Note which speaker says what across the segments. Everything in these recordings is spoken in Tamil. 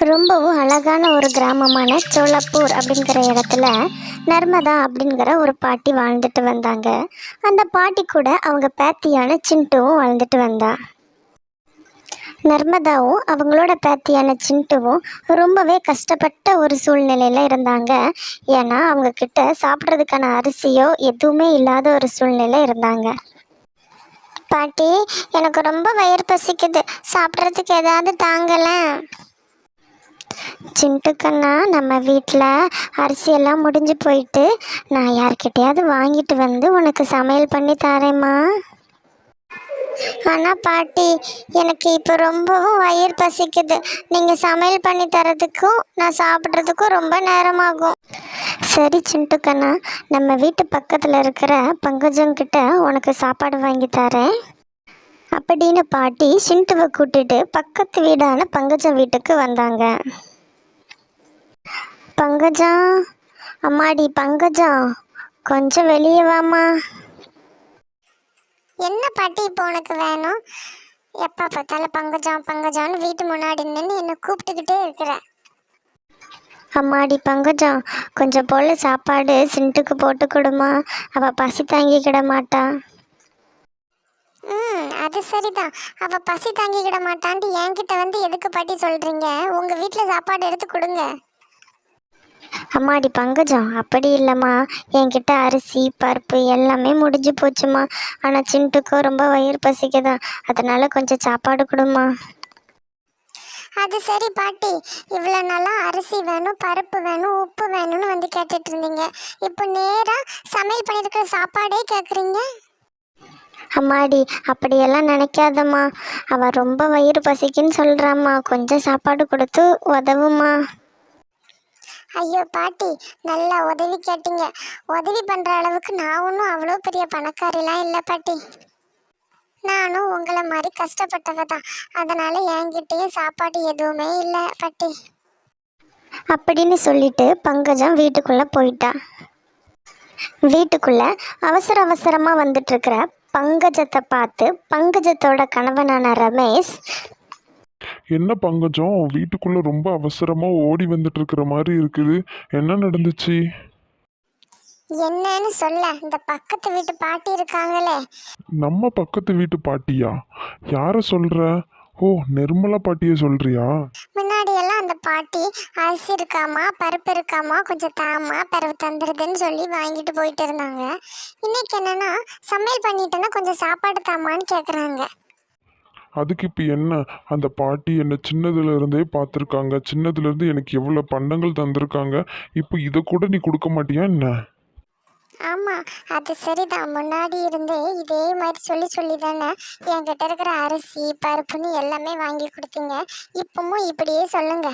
Speaker 1: ரொம்பவும் அழகான ஒரு கிராமமான சோலாப்பூர் அப்படிங்கிற இடத்துல நர்மதா அப்படிங்கிற ஒரு பாட்டி வாழ்ந்துட்டு வந்தாங்க. அந்த பாட்டி கூட அவங்க பேத்தியான சிண்டுவும் வாழ்ந்துட்டு வந்தா. நர்மதாவும் அவங்களோட பேத்தியான சிண்டுவும் ரொம்பவே கஷ்டப்பட்ட ஒரு சூழ்நிலையில் இருந்தாங்க. ஏன்னா அவங்க கிட்ட சாப்பிட்றதுக்கான அரிசியோ எதுவுமே இல்லாத ஒரு சூழ்நிலை இருந்தாங்க. பாட்டி, எனக்கு ரொம்ப வயிறு பசிக்குது, சாப்பிட்றதுக்கு ஏதாவது தாங்கலேன். சிண்டுக்கண்ணா, நம்ம வீட்டில் அரிசியெல்லாம் முடிஞ்சு போயிட்டு நான் யார்கிட்டையாவது வாங்கிட்டு வந்து உனக்கு சமையல் பண்ணி தரேம்மா. ஆனால் பாட்டி, எனக்கு இப்போ ரொம்பவும் வயிறு பசிக்குது. நீங்கள் சமையல் பண்ணி தரதுக்கும் நான் சாப்பிட்றதுக்கும் ரொம்ப நேரமாகும். சரி சிண்டுக்கண்ணா, நம்ம வீட்டு பக்கத்தில் இருக்கிற பங்கஜங்கிட்ட உனக்கு சாப்பாடு வாங்கி தரேன் அப்படின்னு பாட்டி சிண்டுவை கூட்டிட்டு பக்கத்து வீடான பங்கஜம் வீட்டுக்கு வந்தாங்க. பங்கஜா, அம்மாடி பங்கஜா, கொஞ்சம் வெளியே வாமா.
Speaker 2: என்ன பாட்டி இப்போ உனக்கு வேணும்? எப்போ பார்த்தாலும் பங்கஜம் பங்கஜான்னு வீட்டு முன்னாடி நின்று என்னை கூப்பிட்டுக்கிட்டே இருக்கிற.
Speaker 1: அம்மாடி பங்கஜா, கொஞ்சம் போல் சாப்பாடு சிண்டுக்கு போட்டு கொடுமா, அவள் பசி தாங்கிக்கிட மாட்டா.
Speaker 2: அது சரிதான். அவள் பசி தாங்கிக்கிட மாட்டான்ட்டு என்கிட்ட வந்து எதுக்கு பாட்டி சொல்கிறீங்க? உங்கள் வீட்டில் சாப்பாடு எடுத்து கொடுங்க.
Speaker 1: அம்மாடி பங்கஜம், அப்படி இல்லைம்மா, என்கிட்ட அரிசி பருப்பு எல்லாமே முடிஞ்சு போச்சுமா. ஆனால் சிண்டுக்கும் ரொம்ப வயிறு பசிக்குதான், அதனால கொஞ்சம் சாப்பாடு கொடுமா.
Speaker 2: அது சரி பாட்டி, இவ்வளோ நாளாக அரிசி வேணும் பருப்பு வேணும் உப்பு வேணும்னு வந்து கேட்டுட்டு இருந்தீங்க. இப்போ நேராக சமையல் பண்ணியிருக்கிற சாப்பாடே கேட்குறீங்க.
Speaker 1: அம்மாடி, அப்படியெல்லாம் நினைக்காதம்மா, அவள் ரொம்ப வயிறு பசிக்குன்னு சொல்கிறாம்மா, கொஞ்சம் சாப்பாடு கொடுத்து உதவுமா.
Speaker 2: ஐயோ பாட்டி, நல்லா உதவி கேட்டீங்க. உதவி பண்ணுற அளவுக்கு நான் ஒன்றும் அவ்வளோ பெரிய பணக்காரிலாம் இல்லை பாட்டி. நானும் உங்களை மாதிரி கஷ்டப்பட்டவ தான். அதனால் என்கிட்டயும் சாப்பாடு எதுவுமே இல்லை பாட்டி
Speaker 1: அப்படின்னு சொல்லிட்டு பங்கஜம் வீட்டுக்குள்ளே போயிட்டா. வீட்டுக்குள்ளே அவசர அவசரமாக வந்துட்டு இருக்கிற பங்கஜத்தை பார்த்து பங்கஜத்தோட கணவனான ரமேஷ்,
Speaker 3: என்ன பங்கஜம், வீட்டுக்குள்ள ரொம்ப அவசரமா ஓடி வந்துட்டு இருக்கிற மாதிரி இருக்குது, என்ன நடந்துச்சு?
Speaker 2: என்னன்னு சொல்ல, இந்த பக்கத்து வீட்டு பாட்டி இருக்காங்களே.
Speaker 3: நம்ம பக்கத்து வீட்டு பாட்டியா? யார சொல்ற? ஓ, நிர்மலா பாட்டிய சொல்றியா?
Speaker 2: முன்னாடி எல்லாம் அந்த பாட்டி அரிசி இருக்காமா பருப்பு இருக்காமா கொஞ்சம் தாமா பிறகு தந்துடுதுன்னு சொல்லி வாங்கிட்டு போயிட்டு இருந்தாங்க. இன்னைக்கு என்னன்னா, சமையல் பண்ணிட்டேன்னா கொஞ்சம் சாப்பாடு தாமான்னு கேட்குறாங்க.
Speaker 3: அதுக்கு இப்போ என்ன? அந்த பாட்டி என்னை சின்னதுல இருந்தே பார்த்துருக்காங்க, சின்னதுல இருந்து எனக்கு எவ்வளோ பண்டங்கள் தந்திருக்காங்க, இப்போ இதை கூட நீ கொடுக்க மாட்டியா என்ன?
Speaker 2: ஆமாம், அது சரிதான். முன்னாடி இருந்தே இதே மாதிரி சொல்லி சொல்லி தானே என்கிட்ட இருக்கிற அரிசி பருப்புன்னு எல்லாமே வாங்கி கொடுத்தீங்க. இப்பவும் இப்படியே சொல்லுங்க.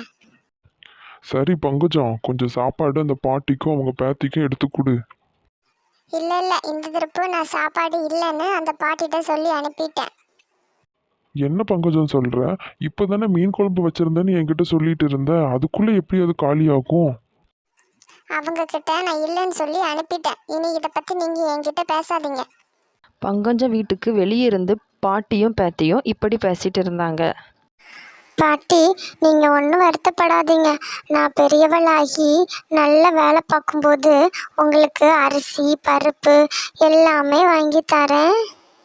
Speaker 3: சரி பங்கஜம், கொஞ்சம் சாப்பாடு அந்த பாட்டிக்கும் அவங்க பேத்திக்கும் எடுத்து கொடு.
Speaker 2: இல்லை இல்லை, இந்த திருப்பு நான் சாப்பாடு இல்லைன்னு அந்த பாட்டிகிட்ட சொல்லி அனுப்பிட்டேன்.
Speaker 3: என்ன பங்கஜம் சொல்ற? இப்போதானே மீன் குழம்பு வச்சிருந்தேன்னு என்கிட்ட சொல்லிட்டு இருந்த, அதுக்குள்ள எப்படி அது காலியாகும்?
Speaker 2: அவங்க கிட்ட நான் இல்லைன்னு சொல்லி அனுப்பிட்டேன். இனி இதை பற்றி நீங்கள் என்கிட்ட பேசாதீங்க.
Speaker 4: பங்கஜம் வீட்டுக்கு வெளியே இருந்து பாட்டியும் பேத்தியும் இப்படி பேசிட்டு இருந்தாங்க.
Speaker 1: பாட்டி, நீங்கள் ஒன்றும் வருத்தப்படாதீங்க, நான் பெரியவளாகி நல்ல வேலை பார்க்கும்போது உங்களுக்கு அரிசி பருப்பு எல்லாமே வாங்கி தரேன்.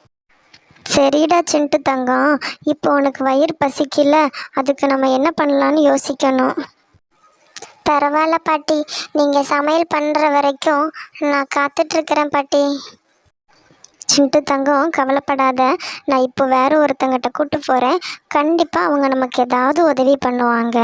Speaker 1: சரிடா சிண்டு தங்கம், இப்போ உனக்கு வயிறு பசிக்கல, அதுக்கு நம்ம என்ன பண்ணலான்னு யோசிக்கணும். பரவாயில்ல பாட்டி, நீங்கள் சமையல் பண்ணுற வரைக்கும் நான் காத்துட்ருக்கிறேன் பாட்டி. சிண்டு தங்கம், கவலைப்படாத, நான் இப்போ வேற ஒருத்தங்கிட்ட கூட்டு போகிறேன், கண்டிப்பாக அவங்க நமக்கு ஏதாவது உதவி பண்ணுவாங்க.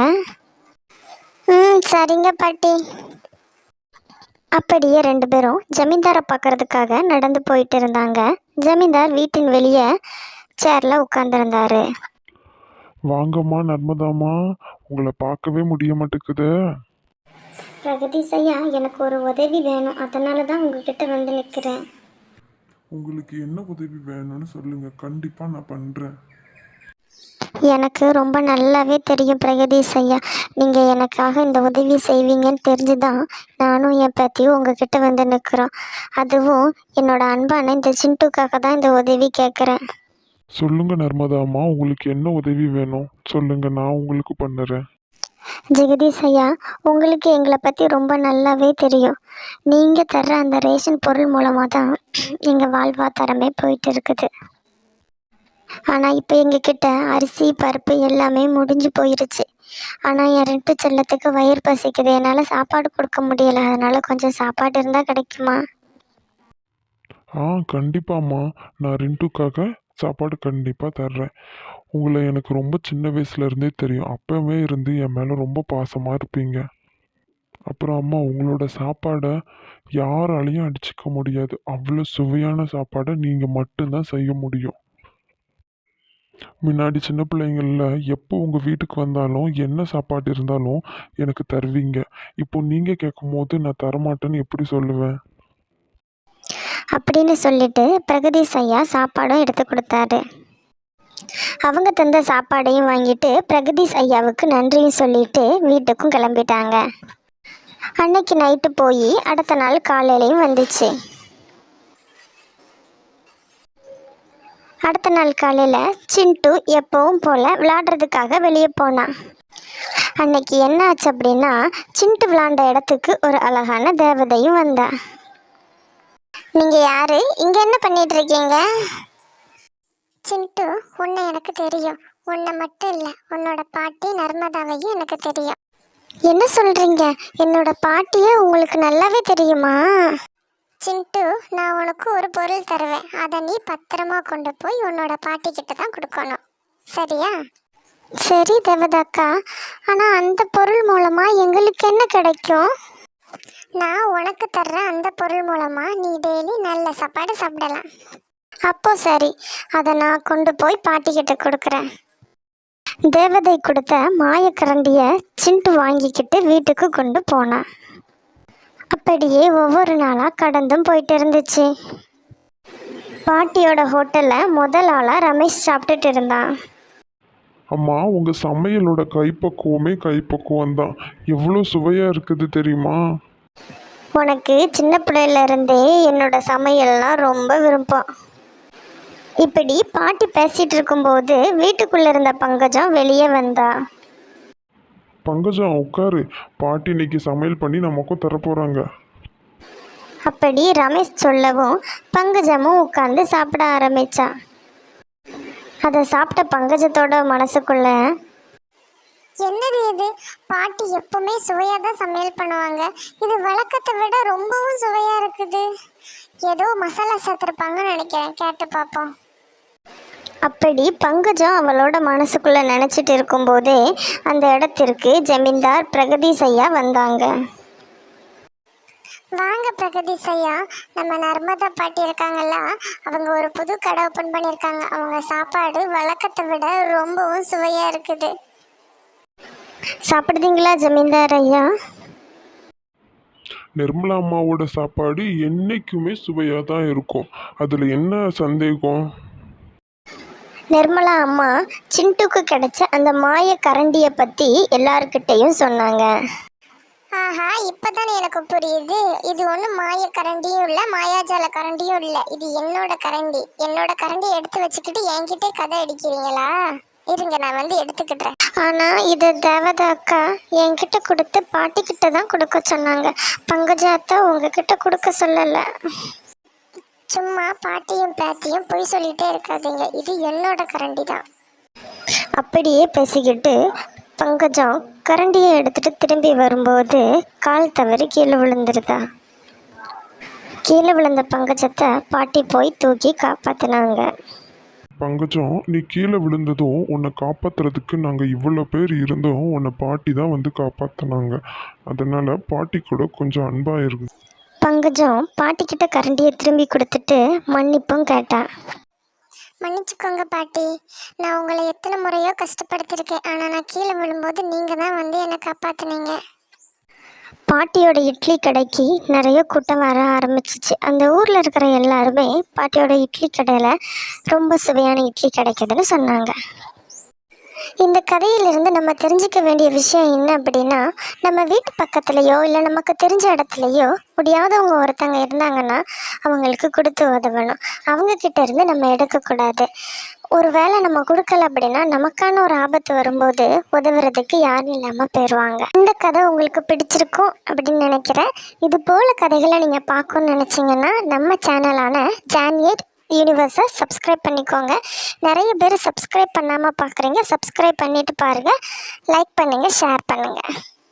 Speaker 1: சரிங்க பாட்டி. அப்படியே ரெண்டு பேரும் ஜமீன்தாரை பார்க்கறதுக்காக நடந்து போயிட்டு இருந்தாங்க. ஜமீன்தார் வீட்டின் வெளியே சேர்ல உட்கார்ந்துருந்தாரு.
Speaker 3: வாங்கம்மா நர்மதாம்மா, உங்களை பார்க்கவே முடிய மாட்டேங்குது.
Speaker 1: பிரகதீஷ் ஐயா, எனக்கு ஒரு உதவி வேணும், அதனால தான் உங்ககிட்ட வந்து நிற்கிறேன்.
Speaker 3: உங்களுக்கு என்ன உதவி வேணும்னு சொல்லுங்க, கண்டிப்பா நான் பண்றேன்.
Speaker 1: எனக்கு ரொம்ப நல்லாவே தெரியும் பிரகதீஷ் ஐயா, நீங்கள் எனக்காக இந்த உதவி செய்வீங்கன்னு தெரிஞ்சு தான் நானும் என் பற்றியும் உங்ககிட்ட வந்து நிற்கிறோம். அதுவும் என்னோட அன்பான இந்த சிண்டுக்காக தான் இந்த உதவி கேட்குறேன்.
Speaker 3: சொல்லுங்க நர்மதாம்மா, உங்களுக்கு என்ன உதவி வேணும் சொல்லுங்க, நான் உங்களுக்கு பண்ணுறேன்.
Speaker 1: ஜெகதீஷ் ஐயா, உங்களுக்கு எங்களை பற்றி ரொம்ப நல்லாவே தெரியும். நீங்கள் தர்ற அந்த ரேஷன் பொருள் மூலமாக தான் எங்கள் வாழ்வாதாரமே போயிட்டு இருக்குது. ஆனால் இப்போ எங்ககிட்ட அரிசி பருப்பு எல்லாமே முடிஞ்சு போயிருச்சு. ஆனால் என் 2 செல்லத்துக்கு வயிறு பசிக்குது, என்னால் சாப்பாடு கொடுக்க முடியலை. அதனால் கொஞ்சம் சாப்பாடு இருந்தால் கிடைக்குமா?
Speaker 3: கண்டிப்பாம்மா. நான் ரின்ட்டுக்காக சாப்பாடு கண்டிப்பாக தர்றேன். உங்களை எனக்கு ரொம்ப சின்ன வயசுலேருந்தே தெரியும். அப்போவே இருந்து என் மேலே ரொம்ப பாசமாக இருப்பீங்க. அப்புறம் அம்மா, உங்களோட சாப்பாடை யாராலையும் அடிச்சுக்க முடியாது. அவ்வளோ சுவையான சாப்பாடை நீங்கள் மட்டும்தான் செய்ய முடியும். முன்னாடி சின்ன பிள்ளைங்களில் எப்போ உங்கள் வீட்டுக்கு வந்தாலும் என்ன சாப்பாடு இருந்தாலும் எனக்கு தருவீங்க. இப்போ நீங்கள் கேட்கும் போது நான் தரமாட்டேன்னு எப்படி சொல்லுவேன்?
Speaker 1: அப்படின்னு சொல்லிட்டு பிரகதீஷ் ஐயா சாப்பாடும் எடுத்து கொடுத்தாரு. அவங்க தந்த சாப்பாடையும் வாங்கிட்டு பிரகதீஷ் ஐயாவுக்கு நன்றியும் சொல்லிட்டு வீட்டுக்கும் கிளம்பிட்டாங்க. அன்னைக்கு நைட்டு போய் அடுத்த நாள் காலையிலையும் வந்துச்சு. அடுத்த நாள் காலையில் சிண்டு எப்பவும் போல் விளாடுறதுக்காக வெளியே போனான். அன்னைக்கு என்ன ஆச்சு அப்படின்னா, சிண்டு விளாண்ட இடத்துக்கு ஒரு அழகான தேவதையும் வந்தா. நீங்கள் யாரு? இங்கே என்ன பண்ணிட்டு இருக்கீங்க?
Speaker 2: சிண்டு, உன்னை எனக்கு தெரியும். உன்னை மட்டும் இல்லை, உன்னோட பாட்டி நர்மதாவையும் எனக்கு தெரியும்.
Speaker 1: என்ன சொல்கிறீங்க? என்னோட பாட்டியை உங்களுக்கு நல்லாவே தெரியுமா?
Speaker 2: சிண்டு, நான் உனக்கு ஒரு பொருள் தருவேன். அதை நீ பத்திரமா கொண்டு போய் உன்னோட பாட்டி கிட்ட தான் கொடுக்கணும். சரியா?
Speaker 1: சரி தேவதாக்கா, ஆனால் அந்த பொருள் மூலமாக எங்களுக்கு என்ன கிடைக்கும்?
Speaker 2: நான் உனக்கு தர்ற அந்த பொருள் மூலமா நீ டெய்லி நல்ல சாப்பாடு சாப்பிடலாம்.
Speaker 1: அப்போ சரி, அதை நான் கொண்டு போய் பாட்டிக்கிட்ட கொடுக்குறேன். தேவதை கொடுத்த மாயக்கரண்டியை சிண்டு வாங்கிக்கிட்டு வீட்டுக்கு கொண்டு போனான். அப்படியே ஒவ்வொரு நாளாக கடந்தும் போயிட்டு இருந்துச்சு. பாட்டியோட ஹோட்டலில் முதல் ஆளாக ரமேஷ் சாப்பிட்டுட்டு இருந்தான்.
Speaker 3: அம்மா, உங்கள் சமையலோட கைப்பக்குவமே கைப்பக்குவம் தான். எவ்வளோ சுவையாக இருக்குது தெரியுமா?
Speaker 1: உனக்கு சின்ன பிள்ளையிலேருந்தே என்னோட சமையல்லாம் ரொம்ப விருப்பம். இப்படி பாட்டி பேசிகிட்டு இருக்கும்போது வீட்டுக்குள்ளே இருந்த பங்கஜம் வெளியே வந்தா.
Speaker 3: பங்கஜம், உட்காரு. பாட்டி இன்னைக்கு சமையல் பண்ணி நமக்கும் தரப்போகிறாங்க.
Speaker 1: அப்படி ரமேஷ் சொல்லவும் பங்கஜமும் உட்காந்து சாப்பிட ஆரம்பிச்சா. அதை சாப்பிட்ட பங்கஜத்தோட மனசுக்குள்ள,
Speaker 2: என்னது இது? பாட்டி எப்பவுமே சுவையாக தான் சமையல் பண்ணுவாங்க. இது வழக்கத்தை விட ரொம்பவும் சுவையாக இருக்குது. ஏதோ மசாலா சேர்த்துருப்பாங்கன்னு நினைக்கிறேன். கேட்டு பார்ப்போம்.
Speaker 1: அப்படி பங்கஜம் அவளோட மனசுக்குள்ள நினச்சிட்டு இருக்கும்போதே அந்த இடத்திற்கு ஜமீன்தார் பிரகதீஷ் ஐயா வந்தாங்க.
Speaker 2: வாங்க பிரகதீஷ் ஐயா, நம்ம நர்மதா பாட்டி இருக்காங்கல்ல, அவங்க ஒரு புது கடை ஓப்பன் பண்ணியிருக்காங்க. அவங்க சாப்பாடு வழக்கத்தை விட ரொம்பவும் சுவையாக இருக்குது.
Speaker 1: சாப்பிடுதீங்களா ஜமீன்தார் ஐயா?
Speaker 3: நிர்மலா அம்மாவோட சாப்பாடு என்றைக்குமே சுவையாக தான் இருக்கும். அதில் என்ன சந்தேகம்?
Speaker 1: நிர்மலா அம்மா சிண்டுக்கு கிடைச்ச அந்த மாய கரண்டியை பற்றி எல்லார்கிட்டையும் சொன்னாங்க.
Speaker 2: ஆஹா, இப்போதானே எனக்கு புரியுது. இது ஒன்றும் மாய கரண்டியும் இல்லை, மாயாஜால கரண்டியும் இல்லை. இது என்னோட கரண்டி. என்னோட கரண்டியை எடுத்து வச்சுக்கிட்டு என்கிட்டே கதை அடிக்கிறீங்களா? இருங்க, நான் வந்து எடுத்துக்கிட்டேன்.
Speaker 1: ஆனால் இதை தேவதா அக்கா என்கிட்ட கொடுத்து பாட்டிக்கிட்ட தான் கொடுக்க சொன்னாங்க. பங்கஜாத்தா உங்ககிட்ட கொடுக்க சொல்லலை.
Speaker 2: சும்மா பாட்டியும் பேத்தியும் பொய் சொல்லிட்டே இருக்காதீங்க. இது என்னோட கரண்டி தான்.
Speaker 1: அப்படியே பேசிக்கிட்டு பங்கஜம் கரண்டியை எடுத்துட்டு திரும்பி வரும்போது கால் தவறி கீழே விழுந்துருதா. கீழே விழுந்த பங்கஜத்தை பாட்டி போய் தூக்கி காப்பாற்றினாங்க.
Speaker 3: பங்கஜம், நீ கீழே விழுந்ததும் உன்னை காப்பாற்றுறதுக்கு நாங்கள் இவ்வளோ பேர் இருந்தோம். உன்னை பாட்டி தான் வந்து காப்பாற்றினாங்க. அதனால் பாட்டி கூட கொஞ்சம் அன்பாக இருக்கு.
Speaker 1: பங்கஜம் பாட்டிக்கிட்ட கரண்டியை திரும்பி கொடுத்துட்டு மன்னிப்பும் கேட்டா.
Speaker 2: மன்னிச்சுக்கோங்க பாட்டி, நான் உங்களை எத்தனை முறையோ கஷ்டப்படுத்திருக்கேன். ஆனால் நான் கீழே விழும்போது நீங்கள் தான் வந்து என்னை காப்பாற்றினீங்க.
Speaker 1: பாட்டியோட இட்லி கடைக்கு நிறைய கூட்டம் வர ஆரம்பிச்சிச்சு. அந்த ஊரில் இருக்கிற எல்லாருமே பாட்டியோட இட்லி கடையில் ரொம்ப சுவையான இட்லி கிடைக்குதுன்னு சொன்னாங்க. இந்த கதையிலிருந்து நம்ம தெரிஞ்சுக்க வேண்டிய விஷயம் என்ன அப்படின்னா, நம்ம வீட்டு பக்கத்துலேயோ இல்லை நமக்கு தெரிஞ்ச இடத்துலையோ முடியாதவங்க ஒருத்தங்க இருந்தாங்கன்னா அவங்களுக்கு கொடுத்து உதவணும். அவங்கக்கிட்ட இருந்து நம்ம எடுக்கக்கூடாது. ஒரு வேளை நம்ம கொடுக்கல அப்படின்னா நமக்கான ஒரு ஆபத்து வரும்போது உதவுறதுக்கு யாரும் இல்லாமல் போயிடுவாங்க. இந்த கதை உங்களுக்கு பிடிச்சிருக்கும் அப்படின்னு நினைக்கிறேன். இது போல் கதைகளை நீங்கள் பார்க்கணுன்னு நினச்சிங்கன்னா நம்ம சேனலான ஜான்யேட் யூனிவர்ஸை சப்ஸ்கிரைப் பண்ணிக்கோங்க. நிறைய பேர் சப்ஸ்கிரைப் பண்ணாமல் பார்க்குறீங்க. சப்ஸ்கிரைப் பண்ணிவிட்டு பாருங்கள். லைக் பண்ணுங்கள், ஷேர் பண்ணுங்கள்.